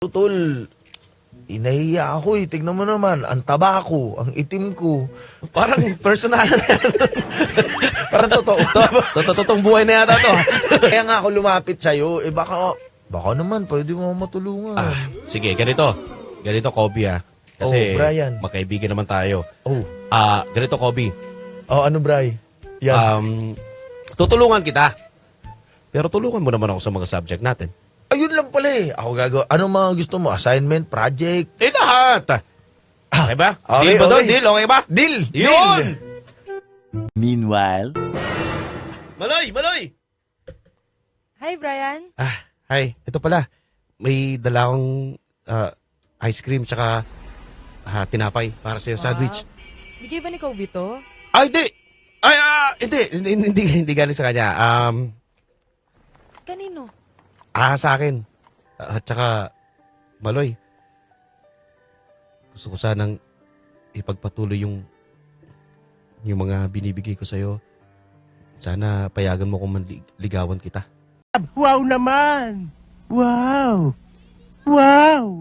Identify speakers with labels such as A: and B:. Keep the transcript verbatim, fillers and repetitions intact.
A: Tol, inahiya ako eh. Tignan mo naman, ang taba ko, ang itim ko. Parang personal na yan. Parang totoo. Totoo, totoong buhay na yata to. Kaya nga ako lumapit sa'yo. Eh baka, baka naman, pwede mo matulungan.
B: Ah, sige, ganito. Ganito, Kobe, ah. Kasi,
A: Oh, Brian.
B: magkaibigan naman tayo.
A: Oh,
B: Ah, ganito, Kobe.
A: oh ano, Bri? Yan.
B: Um, tutulungan kita. Pero tulungan mo naman ako sa mga subject natin.
A: Ayun lang pala eh. Ako gagawa. Ano mga gusto mo? Assignment? Project?
B: Eh, lahat. Okay ba?
A: Okay,
B: Deal ba doon?
A: okay.
B: Deal? Okay ba?
A: Deal!
B: Yun!
A: Deal!
C: Meanwhile,
B: Maloy! Maloy!
D: Hi, Brian.
B: Ah, hi. Ito pala. May dala akong ah, ice cream tsaka ah, tinapay para sa'yo. Sandwich.
D: Bigay ba ni Kobe to?
B: Ay, hindi! Ay, ah, hindi. Hindi, hindi, hindi galing sa kanya. Um,
D: Kanino?
B: ah, sa akin. At tsaka, Maloy. Gusto ko sanang ipagpatuloy yung yung mga binibigay ko sa'yo. Sana payagan mo kung manligawan kita.
C: wow naman! Wow! Wow!